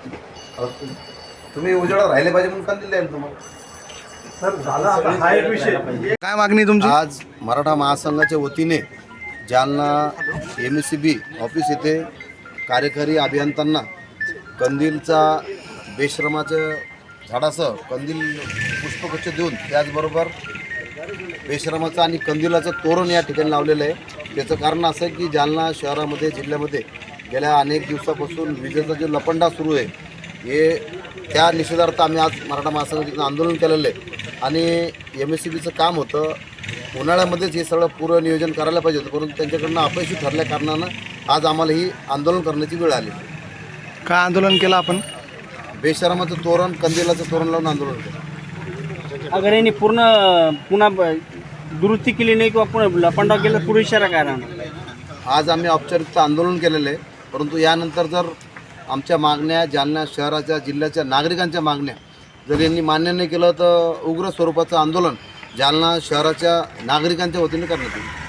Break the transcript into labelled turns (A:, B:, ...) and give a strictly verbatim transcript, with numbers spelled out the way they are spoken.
A: अहो, तुम- तुम्ही उजेडात राहिले पाहिजे म्हणून कंदील द्याल तुम्हाला.
B: सर झाला आता हा एक विषय.
C: काय मागणी तुमची?
A: आज मराठा महासंघाच्या वतीने Jalna M S C B office येथे कार्यकारी अभियंत्यांना कंदीलचा बेश्रमाच्या झाडासह कंदील पुष्पगुच्छ देऊन त्याचबरोबर बेश्रमाचं आणि कंदिलाचं तोरण या ठिकाणी लावलेलं आहे. त्याचं कारण असं आहे की जालना शहरामध्ये जिल्ह्यामध्ये गेल्या अनेक दिवसापासून विजेचा जो लपंडा सुरू आहे हे त्या निषेधार्थ आम्ही आज मराठा महासंघाचं आंदोलन केलेलं आहे. आणि एम एस सी बीचं काम होतं उन्हाळ्यामध्येच हे सगळं पूर्ण नियोजन करायला पाहिजे होतं, परंतु त्यांच्याकडनं अपयशी ठरल्या कारणानं आज आम्हाला ही आंदोलन करण्याची वेळ आली.
C: काय आंदोलन केलं आपण?
A: बेशरमाचं तोरण कंदिलाचं तोरण लावून आंदोलन केलं.
D: अगर यांनी पूर्ण पुन्हा ब- दुरुस्ती केली नाही किंवा पुन्हा लपंडाव केला पुढे इशारा काय राहणार?
A: आज आम्ही औपचारिकता आंदोलन केलेलं आहे, परंतु यानंतर जर आमच्या मागण्या जालना शहराच्या जिल्ह्याच्या नागरिकांच्या मागण्या जर यांनी मान्य नाही केलं तर उग्र स्वरूपाचं आंदोलन जालना शहराच्या नागरिकांच्या वतीने करण्यात येईल.